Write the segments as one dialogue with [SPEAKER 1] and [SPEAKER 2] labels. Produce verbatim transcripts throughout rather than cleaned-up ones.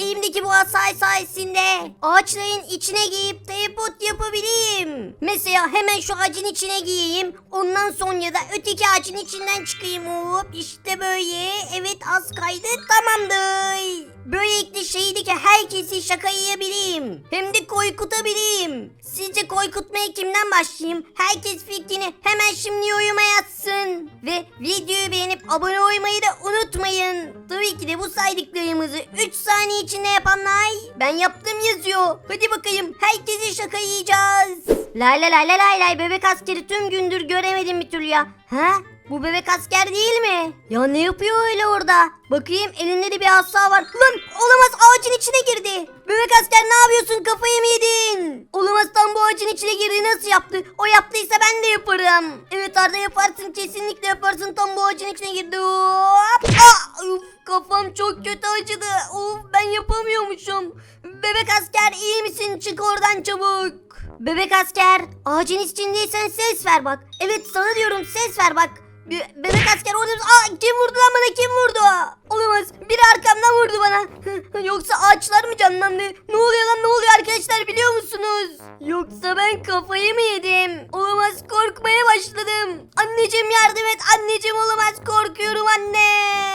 [SPEAKER 1] elimdeki bu asay sayesinde ağaçların içine giyip teleport yapabileyim. Mesela hemen şu ağacın içine giyeyim. Ondan sonra da öteki ağacın içinden çıkayım. Hop işte böyle. Evet az kaydı, tamamdır. Böylelikle şehirdeki herkesi şakayabileyim. Hem de korkutabileyim. Sizce korkutmaya kimden başlayayım? Herkes fikrini hemen şimdi yoruma yazsın. Ve videoyu beğenip abone olmayı da unutmayın. Tabii ki de bu saydıklarımızı üç saniye içinde yapanlar ben yaptım yazıyor. Hadi bakayım herkesi şakayacağız. Lay lay lay lay lay bebek askeri tüm gündür göremedim bir türlü ya. Ha? Bu bebek asker değil mi? Ya ne yapıyor öyle orada? Bakayım elinde de bir asa var. Lan olamaz, ağacın içine girdi. Bebek asker ne yapıyorsun, kafayı mı yedin? Olamaz, tam bu ağacın içine girdi, nasıl yaptı? O yaptıysa ben de yaparım. Evet Arda, yaparsın, kesinlikle yaparsın, tam bu ağacın içine girdi. Hop. Ah, uf, kafam çok kötü acıdı. Of, ben yapamıyormuşum. Bebek asker iyi misin? Çık oradan çabuk. Bebek asker, ağacın içindeysen ses ver bak. Evet sana diyorum, ses ver bak. Be- bebek asker orada. Aa, kim vurdu lan bana, kim vurdu? Olamaz, biri arkamdan vurdu bana. Yoksa ağaçlar mı canlandı? Ne oluyor lan, ne oluyor arkadaşlar, biliyor musunuz? Yoksa ben kafayı mı yedim? Olamaz, korkmaya başladım. Anneciğim yardım et, anneciğim, olamaz, korkuyorum anne.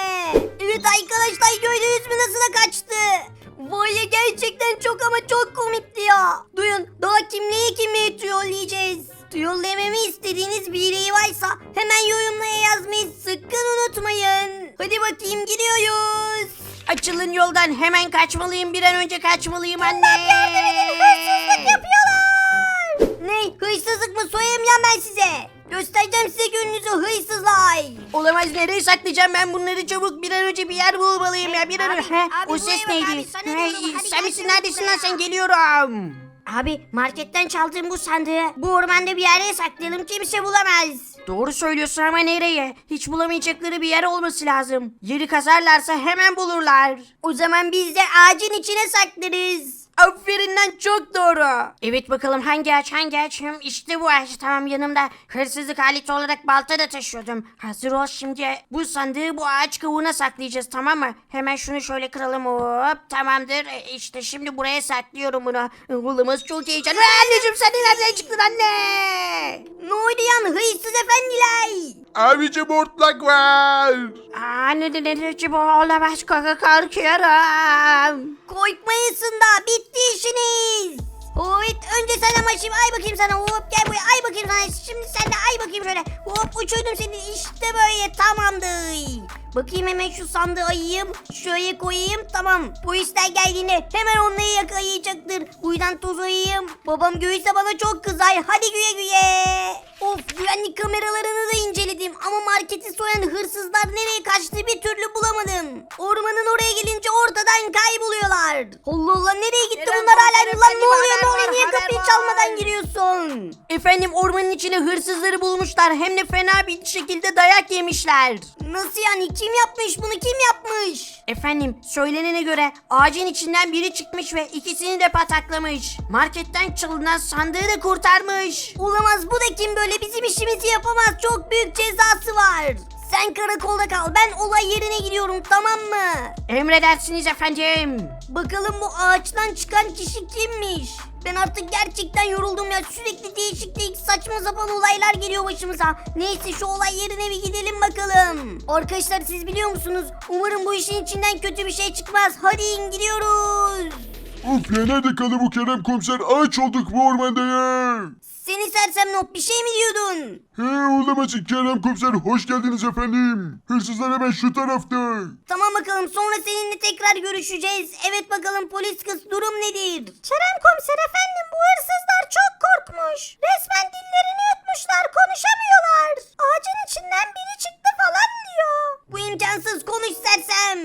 [SPEAKER 1] Evet arkadaşlar, gördünüz mü nasıl da kaçtı? Vay ya, gerçekten çok ama çok komikti ya. Duyun, daha kimliği kimliği trollleyeceğiz. Trollememi istediğiniz biri varsa hemen yorumlara yazmayı sakın unutmayın. Hadi bakayım, gidiyoruz.
[SPEAKER 2] Açılın yoldan, hemen kaçmalıyım, bir an önce kaçmalıyım anne.
[SPEAKER 1] Hırsızlık yapıyorlar. Ne? Hırsızlık mı? Soyayım ya ben size. Göstereceğim size gününüzü hırsızlar.
[SPEAKER 2] Olamaz, nereye saklayacağım ben bunları, çabuk bir an önce bir yer bulmalıyım ya, bir an
[SPEAKER 1] Abi,
[SPEAKER 2] önce. He,
[SPEAKER 1] abi,
[SPEAKER 2] o ses
[SPEAKER 1] buraya bak
[SPEAKER 2] neydi?
[SPEAKER 1] abi, sana
[SPEAKER 2] Hey,
[SPEAKER 1] diyorum, hadi
[SPEAKER 2] sen
[SPEAKER 1] gel
[SPEAKER 2] misin,
[SPEAKER 1] şuraya
[SPEAKER 2] neredesin lan
[SPEAKER 1] buraya.
[SPEAKER 2] sen, geliyorum.
[SPEAKER 1] Abi marketten çaldığım bu sandığı bu ormanda bir yere saklayalım, kimse bulamaz.
[SPEAKER 2] Doğru söylüyorsun ama nereye? Hiç bulamayacakları bir yer olması lazım. Yeri kazarlarsa hemen bulurlar.
[SPEAKER 1] O zaman biz de ağacın içine saklarız.
[SPEAKER 2] Aferin lan, çok doğru. Evet bakalım, hangi ağaç hangi ağaç? Hım, işte bu ağaç, tamam, yanımda hırsızlık aleti olarak balta da taşıyordum. Hazır ol, şimdi bu sandığı bu ağaç kavuğuna saklayacağız, tamam mı? Hemen şunu şöyle kıralım, hop, tamamdır. E, işte şimdi buraya saklıyorum bunu. Oğlumuz çok heyecanlı. Anneciğim sen de nereden çıktın anne?
[SPEAKER 1] Ne oldu yan hırsız efendiler?
[SPEAKER 3] Abicim hortlak var.
[SPEAKER 2] Aa, ne ne ne ne bu olamaz, kaka korkuyorum.
[SPEAKER 1] Korkmayasın da bitti işiniz. Evet, önce sen ama şimdi ay bakayım sana, hop gel buraya, ay bakayım sana, şimdi sen de ay bakayım şöyle, hop uçurdum seni, işte böyle, tamamdır. Bakayım hemen şu sandığı ayayım, şöyle koyayım, tamam. Polisler geldiğinde hemen onları yakalayacaktır. Buradan toz ayayım, babam görürse bana çok kızar, hadi güye güye. Of, güvenlik kameralarını da inceledim ama marketi soyan hırsızlar nereye kaçtı bir türlü bulamadım. Ormanın oraya gelince ortadan kayboluyorlar. Allah Allah, nereye gitti
[SPEAKER 2] Kerem
[SPEAKER 1] bunlar hala?
[SPEAKER 2] komiser
[SPEAKER 1] Lan
[SPEAKER 2] efendim,
[SPEAKER 1] ne oluyor, ne
[SPEAKER 2] haber
[SPEAKER 1] oluyor,
[SPEAKER 2] var,
[SPEAKER 1] niye
[SPEAKER 2] haber
[SPEAKER 1] kapıyı
[SPEAKER 2] var.
[SPEAKER 1] çalmadan giriyorsun?
[SPEAKER 2] Efendim, ormanın içine hırsızları bulmuşlar, hem de fena bir şekilde dayak yemişler.
[SPEAKER 1] Nasıl yani, kim yapmış bunu, kim yapmış?
[SPEAKER 2] Efendim, söylenene göre ağacın içinden biri çıkmış ve ikisini de pataklamış. Marketten çalınan sandığı da kurtarmış.
[SPEAKER 1] Olamaz, bu da kim böyle, bizim işimizi yapamaz, çok büyük cezası var. Sen karakolda kal, ben olay yerine gidiyorum, tamam mı?
[SPEAKER 2] Emredersiniz efendim.
[SPEAKER 1] Bakalım bu ağaçtan çıkan kişi kimmiş? Ben artık gerçekten yoruldum ya, sürekli değişik değişik saçma sapan olaylar geliyor başımıza. Neyse şu olay yerine bir gidelim bakalım. Arkadaşlar siz biliyor musunuz? Umarım bu işin içinden kötü bir şey çıkmaz. Hadi in, gidiyoruz.
[SPEAKER 3] Of ya, nerede kaldı bu Kerem komiser? Ağaç olduk bu ormanda ya.
[SPEAKER 1] Seni sersem not, bir şey mi diyordun?
[SPEAKER 3] He, olamaz Kerem komiser, hoş geldiniz efendim. Hırsızlar hemen şu tarafta.
[SPEAKER 1] Tamam bakalım, sonra seninle tekrar görüşeceğiz. Evet bakalım polis kız, durum nedir? Kerem komiser efendim, bu hırsızlar çok korkmuş. Resmen dillerini yutmuşlar, konuşamıyorlar. Ağacın içinden biri çıktı falan diyor. Bu imkansız, konuş sersem.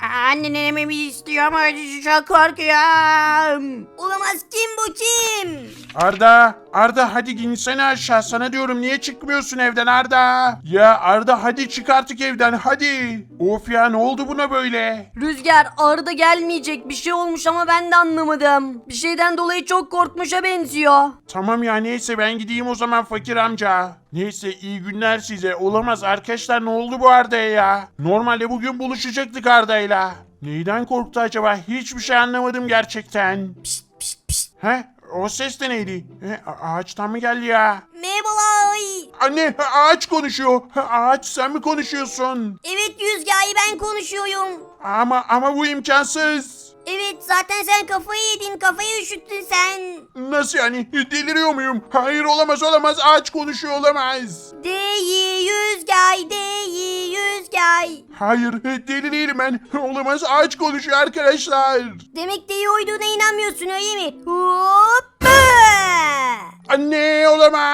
[SPEAKER 2] Annemi mi istiyor ama çok korkuyorum.
[SPEAKER 1] Olamaz, kim bu kim?
[SPEAKER 3] Arda, Arda hadi insene aşağı, sana diyorum, niye çıkmıyorsun evden Arda? Ya Arda hadi çık artık evden, hadi. Of ya, ne oldu buna böyle?
[SPEAKER 2] Rüzgar, Arda gelmeyecek, bir şey olmuş ama ben de anlamadım. Bir şeyden dolayı çok korkmuşa benziyor.
[SPEAKER 3] Tamam ya, neyse ben gideyim o zaman fakir amca. Neyse iyi günler size. Olamaz arkadaşlar, ne oldu bu Arda'ya ya? Normalde bugün buluşacaktık Arda'yla. Neyden korktu acaba? Hiçbir şey anlamadım gerçekten.
[SPEAKER 1] Pişt pişt pişt.
[SPEAKER 3] He? O ses de neydi? He, a- ağaçtan mı geldi ya?
[SPEAKER 1] Merhabalar.
[SPEAKER 3] Anne, ağaç konuşuyor. Ağaç, sen mi konuşuyorsun?
[SPEAKER 1] Evet Rüzgar'ı ben konuşuyorum.
[SPEAKER 3] Ama ama bu imkansız.
[SPEAKER 1] Evet zaten sen kafayı yedin, kafayı üşüttün sen.
[SPEAKER 3] Nasıl yani? Deliriyor muyum? Hayır, olamaz olamaz. Ağaç konuşuyor, olamaz.
[SPEAKER 1] Değil Rüzgar, değil Rüzgar.
[SPEAKER 3] Hayır, deli değilim ben. Olamaz, ağaç konuşuyor arkadaşlar.
[SPEAKER 1] Demek deli uyduğuna inanmıyorsun öyle mi? Hoppa!
[SPEAKER 3] Anne,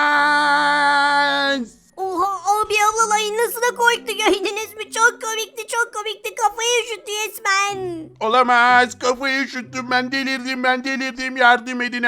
[SPEAKER 3] olamaz.
[SPEAKER 1] Oha abi ablalayın nasıl da korktu gördünüz mü? Çok komikti çok komikti kafayı üşüttü resmen.
[SPEAKER 3] Olamaz, kafayı üşüttüm ben, delirdim ben, delirdim, yardım edin.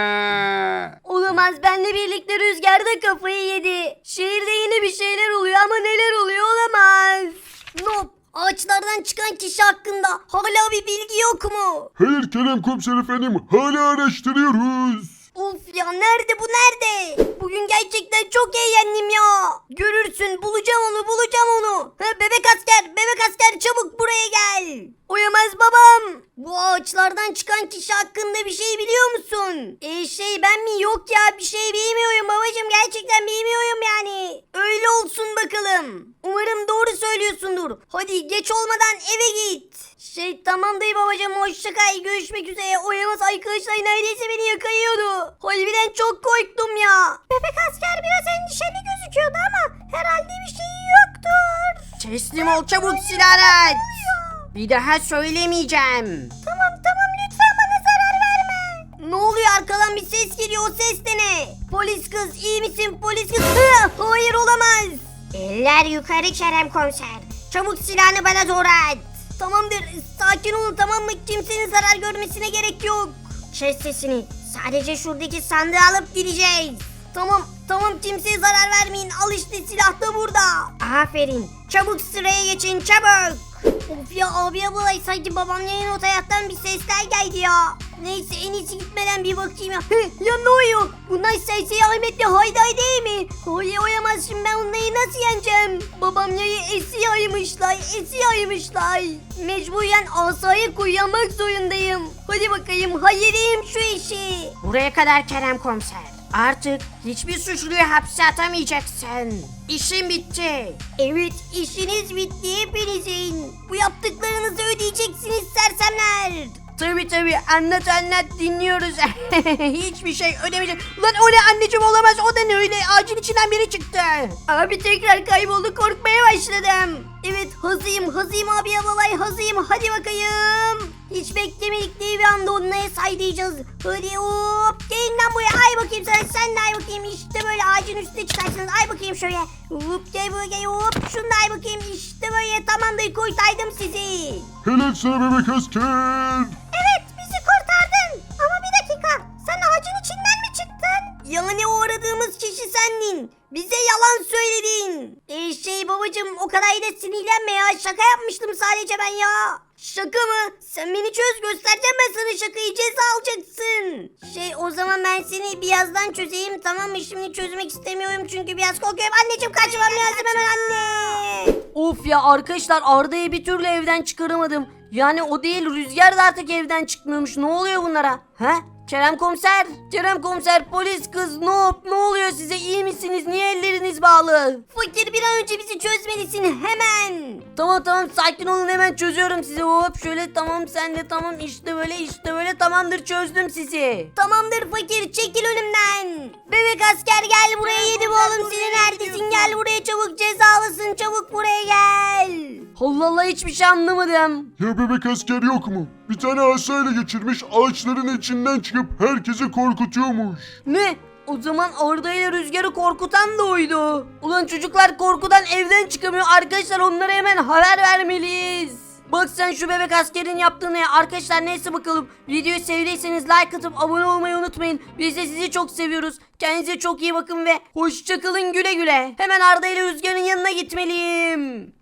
[SPEAKER 1] Olamaz benle birlikte Rüzgar'da kafayı yedi. Şehirde yine bir şeyler oluyor ama neler oluyor olamaz. Nop ağaçlardan çıkan kişi hakkında hala bir bilgi yok mu?
[SPEAKER 3] Hayır Kerem komiser efendim, hala araştırıyoruz.
[SPEAKER 1] Of ya nerede bu nerede? Bugün gerçekten çok eğlendim ya. Görürsün bulacağım onu bulacağım onu. Ha, bebek asker bebek asker çabuk buraya gel. Uyamaz babam. Bu ağaçlardan çıkan kişi hakkında bir şey biliyor musun? E şey ben mi yok ya bir şey bilmiyorum babacım gerçekten bilmiyorum yani. Öyle olsun bakalım. Umarım doğru söylüyorsundur. Hadi geç olmadan eve git. Şey tamam dayı babacım hoşça kal görüşmek üzere. Uyamaz arkadaşlar neredeyse beni yakayıyordu. Harbiden çok korktum ya. Bebek asker biraz endişeli gözüküyordu ama herhalde bir şey yoktur.
[SPEAKER 2] Teslim ol çabuk silahı. Bir daha söylemeyeceğim.
[SPEAKER 1] Tamam tamam lütfen bana zarar verme. Ne oluyor arkadan bir ses geliyor o ses de ne? Polis kız iyi misin polis kız? Hı, hayır olamaz. Eller yukarı Kerem komiser. Çabuk silahını bana doğru at. Tamamdır sakin olun tamam mı? Kimsenin zarar görmesine gerek yok. Kes sesini. Sadece şuradaki sandığı alıp gideceğiz. Tamam tamam kimseye zarar vermeyin. Al işte silah da burada. Aferin. Çabuk sıraya geçin çabuk. Of ya abi ablalay sanki babamların o hayattan bir sesler geldi ya. Neyse en iyisi gitmeden bir bakayım ya. Hı, ya ne oluyor? Bunlar Serseri Ahmet'le Hayday değil mi? Hayır oyamaz şimdi ben onları nasıl yeneceğim? Babamları esi yaymışlar, esi yaymışlar. Mecburen asayı kullanmak zorundayım. Hadi bakayım halledeyim şu işi.
[SPEAKER 2] Buraya kadar Kerem komiser. Artık hiçbir suçluyu hapse atamayacaksın. İşin bitti.
[SPEAKER 1] Evet işiniz bitti hepinizin. Bu yaptıklarınızı ödeyeceksiniz sersemler.
[SPEAKER 2] Tabi tabi anlat anlat dinliyoruz. Hiçbir şey ödemeyecek. Lan o ne anneciğim olamaz o da ne öyle ağacın içinden biri çıktı.
[SPEAKER 1] Abi tekrar kayboldu korkmaya başladım. Evet hazıyım hazıyım abi alalay hazıyım hadi bakayım. Hiç beklemedikleri bir anda onları saydıracağız. Hadi hop gelin lan buraya ay bakayım sana sen de ay bakayım işte böyle ağacın üstüne çıkarsınız ay bakayım şöyle. Hop gel buraya gel hop şunu da ay bakayım işte böyle tamamdır kurtardım sizi.
[SPEAKER 3] Helal sana bebek asker.
[SPEAKER 1] Evet bizi kurtardın ama bir dakika sen ağacın içinden mi çıktın? Yani o aradığımız kişi sendin. Bize yalan söyledin. Ee, şey babacım o kadar da sinirlenme ya şaka yapmıştım sadece ben ya. Şaka mı? Sen beni çöz göstereceğim ben sana şakayı ceza alacaksın. Şey o zaman ben seni birazdan çözeyim tamam mı? Şimdi çözmek istemiyorum çünkü biraz korkuyorum. Anneciğim kaçmam lazım hemen anne.
[SPEAKER 2] Of ya arkadaşlar Arda'yı bir türlü evden çıkaramadım. Yani o değil Rüzgar da artık evden çıkmıyormuş. Ne oluyor bunlara? He? Kerem komiser, Kerem komiser, polis kız, Noob, ne oluyor size iyi misiniz? Niye elleriniz bağlı?
[SPEAKER 1] Fakir bir an önce bizi çözmelisin hemen.
[SPEAKER 2] Tamam tamam sakin olun hemen çözüyorum sizi. Hop şöyle tamam sen de tamam işte böyle işte böyle tamamdır çözdüm sizi.
[SPEAKER 1] Tamamdır fakir çekil önümden. Bebek asker gel buraya yedim oğlum seni neredesin gel buraya çabuk cezalısın çabuk buraya gel.
[SPEAKER 2] Allah Allah hiçbir şey anlamadım.
[SPEAKER 3] Ya bebek asker yok mu? Bir tane asayla geçirmiş, ağaçların içinden çıkıp herkesi korkutuyormuş.
[SPEAKER 2] Ne? O zaman Arda ile Rüzgar'ı korkutan da oydu. Ulan çocuklar korkudan evden çıkamıyor. Arkadaşlar onlara hemen haber vermeliyiz. Bak sen şu bebek askerin yaptığını ya. Arkadaşlar neyse bakalım. Videoyu sevdiyseniz like atıp abone olmayı unutmayın. Biz de sizi çok seviyoruz. Kendinize çok iyi bakın ve hoşçakalın güle güle. Hemen Arda ile Rüzgar'ın yanına gitmeliyim.